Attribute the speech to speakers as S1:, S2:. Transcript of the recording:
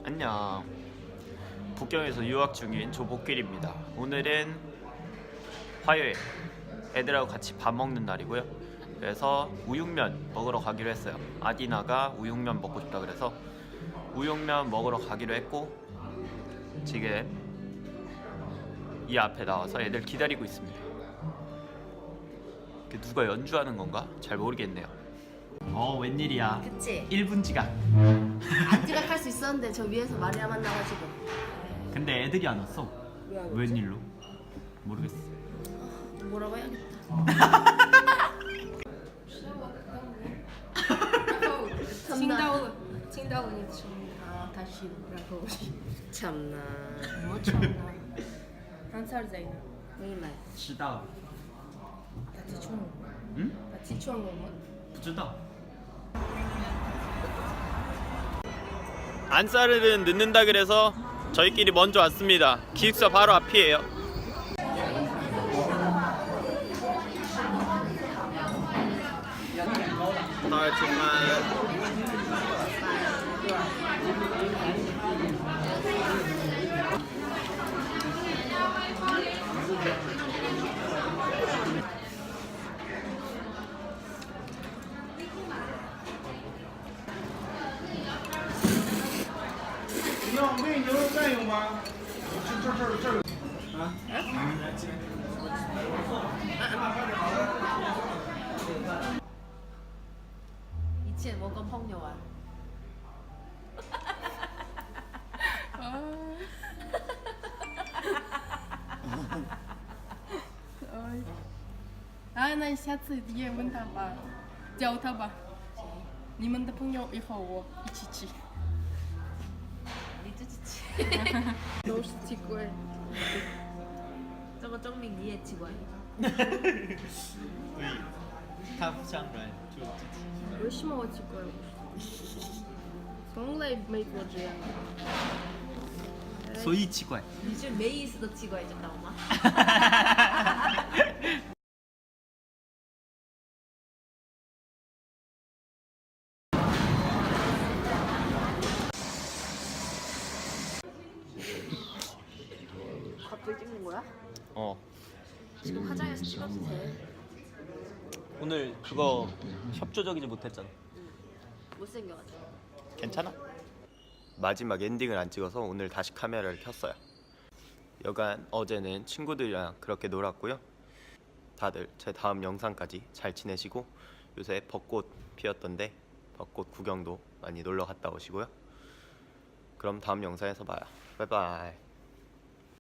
S1: 안녕. 북경에서 유학 중인 조복길입니다. 오늘은 화요일 애들하고 같이 밥 먹는 날이고요. 그래서 우육면 먹으러 가기로 했어요. 아디나가 우육면 먹고 싶다 그래서 우육면 먹으러 가기로 했고, 지금 이 앞에 나와서 애들 기다리고 있습니다. 누가 연주하는 건가? 잘 모르겠네요. 웬일이야.
S2: 그치?
S1: 1분 지각.
S2: 안 지각할 수 있었는데 저 위에서 마리아 만나가지고.
S1: 근데 애들이 안 왔어.
S2: 왜 안 왔지?
S1: 웬일로? 모르겠어.
S2: 뭐라고 해야겠다.
S3: 칭다오니
S2: 다시 라고.
S3: 참나.
S2: 뭐 참나.
S3: 한 살짜리.
S2: 말.
S1: 知道.
S3: 같이 총.
S1: 응?
S3: 같이 총 뭐?
S1: 不知道. 안사르는 늦는다 그래서 저희끼리 먼저 왔습니다. 기숙사 바로 앞이에요.
S2: 이치에 뭔가 펑녀와.
S3: 那下次也问他吧，教他吧。你们的朋友以后我一起去。
S2: 니 쯔찌치.
S3: 都是奇怪。
S2: 저거 정민 니의 직원.
S1: 他不像人就
S3: 为什么我奇怪？从来没过这样。
S1: 所以奇怪.
S2: 니 지금 메이스도 직원해줬다 엄마. 갑자기 찍는 거야? 지금 화장해서 찍어도 돼.
S1: 오늘 그거 협조적이지 못했잖아.
S2: 못생겨가지고.
S1: 괜찮아? 마지막 엔딩을 안 찍어서 오늘 다시 카메라를 켰어요. 여간 어제는 친구들이랑 그렇게 놀았고요. 다들 제 다음 영상까지 잘 지내시고, 요새 벚꽃 피었던데 벚꽃 구경도 많이 놀러 갔다 오시고요. 그럼 다음 영상에서 봐요. 바이바이.